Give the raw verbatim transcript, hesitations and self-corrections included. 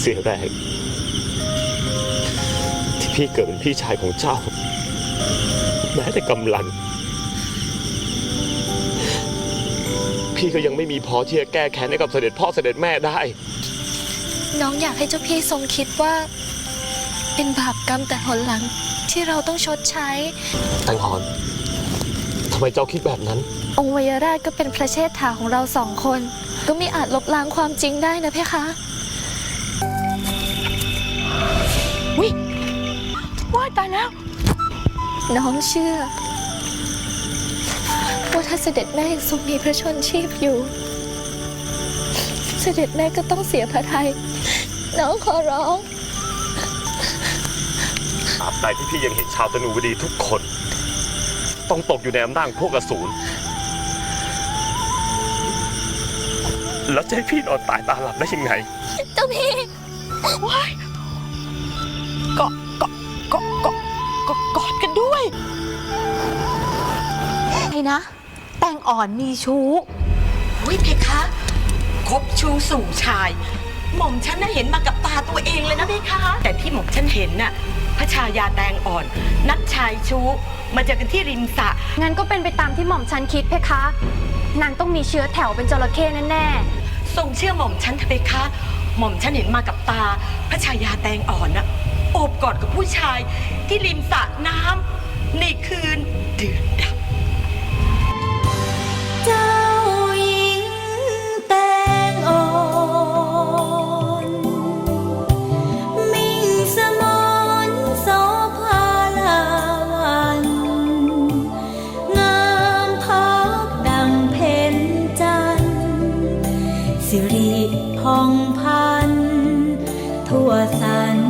สียแรงที่พี่เกิดเป็นพี่ชายของเจ้าแม้แต่กำลังพี่ก็ยังไม่มีพอที่จะแก้แค้นให้กับเสด็จพ่อเสด็จแม่ได้น้องอยากให้เจ้าพี่ทรงคิดว่าเป็นบาปกรรมแต่หนหลังที่เราต้องชดใช้แตงอ่อนทำไมเจ้าคิดแบบนั้นองค์วยราชก็เป็นพระเชษฐาของเราสองคนก็ไม่อาจลบล้างความจริงได้นะเพคะวิว้ายตายแล้วน้องเชื่อว่าถ้าเสด็จแม่ยังทรงมีพระชนชีพอยู่เสด็จแม่ก็ต้องเสียพระทัยน้องขอร้องตราบใดที่พี่ยังเห็นชาวธนูวดีทุกคนต้องตกอยู่ในอำนาจพวกอสูรแล้วจะให้พี่นอนตายตาหลับได้ยังไงเจ้าพี่ว้ายเกาะเกาะเกาะเกาะเกาะกอดกันด้วยไอ้นะแตงอ่อนมีชู้วิเพคะคบชู้สู่ชายหม่อมฉันน่ะเห็นมากับตาตัวเองเลยนะเพคะแต่ที่หม่อมฉันเห็นน่ะพระชายาแตงอ่อนนัดชายชู้มาเจอกันที่ริมสระงั้นก็เป็นไปตามที่หม่อมฉันคิดเพคะนางต้องมีเชื้อแถวเป็นจระเข้แน่ๆทรงเชื่อหม่อมฉันเถอะเพคะหม่อมฉันเห็นมากับตาพระชายาแตงอ่อนน่ะโอบกอดกับผู้ชายที่ริมสระน้ำในคืนดื่นดำเจ้าหญิงแตงอ่อนมิ่งสมรโสภาลาวันงามพักดังเพ็ญจันทร์สิริผ่องพันทั่วสรร